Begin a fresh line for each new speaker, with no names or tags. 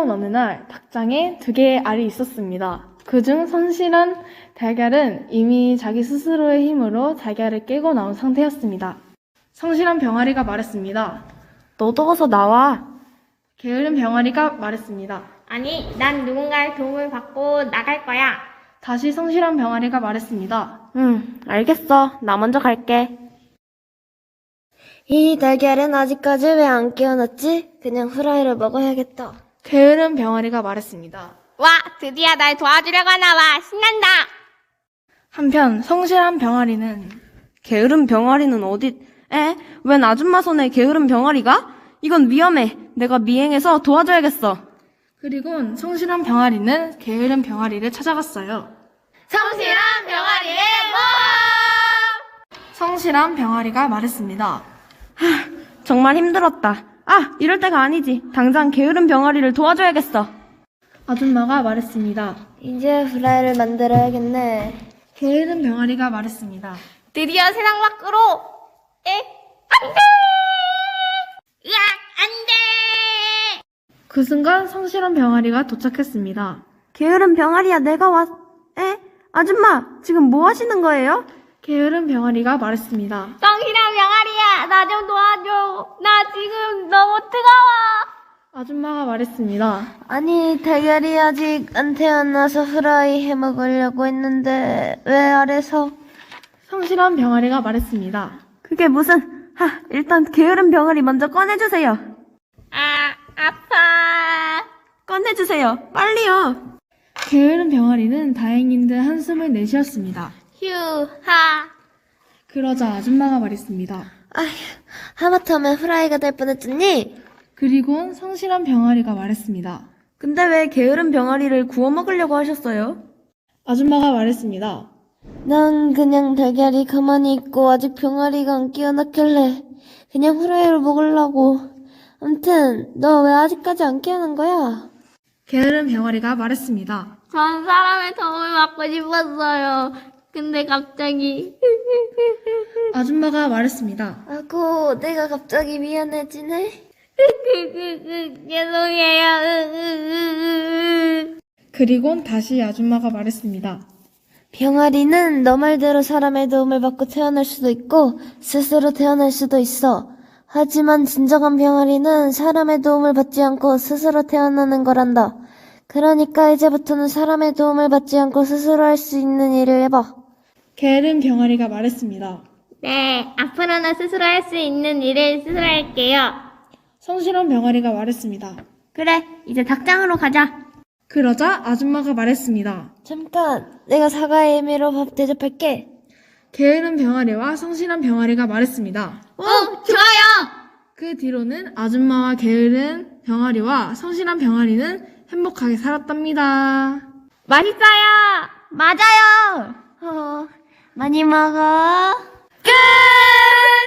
그러던 어느 날 닭장에 2개의 알이 있었습니다. 그중 성실한 달걀은 이미 자기 스스로의 힘으로 달걀을 깨고 나온 상태였습니다. 성실한 병아리가 말했습니다.
너도 어서 나와.
게으른 병아리가 말했습니다.
아니, 난 누군가의 도움을 받고 나갈 거야.
다시 성실한 병아리가 말했습니다.
알겠어. 나 먼저 갈게. 이 달걀은 아직까지 왜 안 깨어났지? 그냥 후라이를 먹어야겠다.
게으른 병아리가 말했습니다.
와, 드디어 날 도와주려고 하나 봐. 신난다.
한편 성실한 병아리는
게으른 병아리는 웬 아줌마 손에 게으른 병아리가? 이건 위험해. 내가 미행해서 도와줘야겠어.
그리곤 성실한 병아리는 게으른 병아리를 찾아갔어요.
성실한 병아리의
성실한 병아리가 말했습니다.
정말 힘들었다. 이럴 때가 아니지. 당장 게으른 병아리를 도와줘야겠어.
아줌마가 말했습니다.
이제 후라이를 만들어야겠네.
게으른 병아리가 말했습니다.
드디어 세상 밖으로. 안 돼! 으악, 안 돼!
그 순간 성실한 병아리가 도착했습니다.
게으른 병아리야, 아줌마, 지금 뭐 하시는 거예요?
게으른 병아리가 말했습니다.
성실한 병아리야, 나 좀 도와줘. 나 지금 너무 뜨거워.
아줌마가 말했습니다.
아니, 달걀이 아직 안 태어나서 후라이 해 먹으려고 했는데 왜 아래서?
성실한 병아리가 말했습니다.
그게 무슨? 일단 게으른 병아리 먼저 꺼내주세요.
아파.
꺼내주세요. 빨리요.
게으른 병아리는 다행인 듯 한숨을 내쉬었습니다.
휴하.
그러자 아줌마가 말했습니다.
하마터면 후라이가 될 뻔했잖니?
그리곤 성실한 병아리가 말했습니다.
근데 왜 게으른 병아리를 구워 먹으려고 하셨어요?
아줌마가 말했습니다.
난 그냥 달걀이 가만히 있고 아직 병아리가 안 깨어났길래 그냥 후라이를 먹으려고. 암튼 너 왜 아직까지 안 깨어난 거야?
게으른 병아리가 말했습니다.
전 사람의 도움을 받고 싶었어요. 근데 갑자기.
아줌마가 말했습니다.
아고, 내가 갑자기 미안해지네.
죄송해요.
그리곤 다시 아줌마가 말했습니다.
병아리는 너 말대로 사람의 도움을 받고 태어날 수도 있고 스스로 태어날 수도 있어. 하지만 진정한 병아리는 사람의 도움을 받지 않고 스스로 태어나는 거란다. 그러니까 이제부터는 사람의 도움을 받지 않고 스스로 할 수 있는 일을 해봐.
게으른 병아리가 말했습니다.
네, 앞으로는 스스로 할 수 있는 일을 스스로 할게요.
성실한 병아리가 말했습니다.
그래, 이제 닭장으로 가자.
그러자 아줌마가 말했습니다.
잠깐, 내가 사과의 의미로 밥 대접할게.
게으른 병아리와 성실한 병아리가 말했습니다.
좋아요.
그 뒤로는 아줌마와 게으른 병아리와 성실한 병아리는 행복하게 살았답니다.
맛있어요.
맞아요. 많이 먹어.
끝!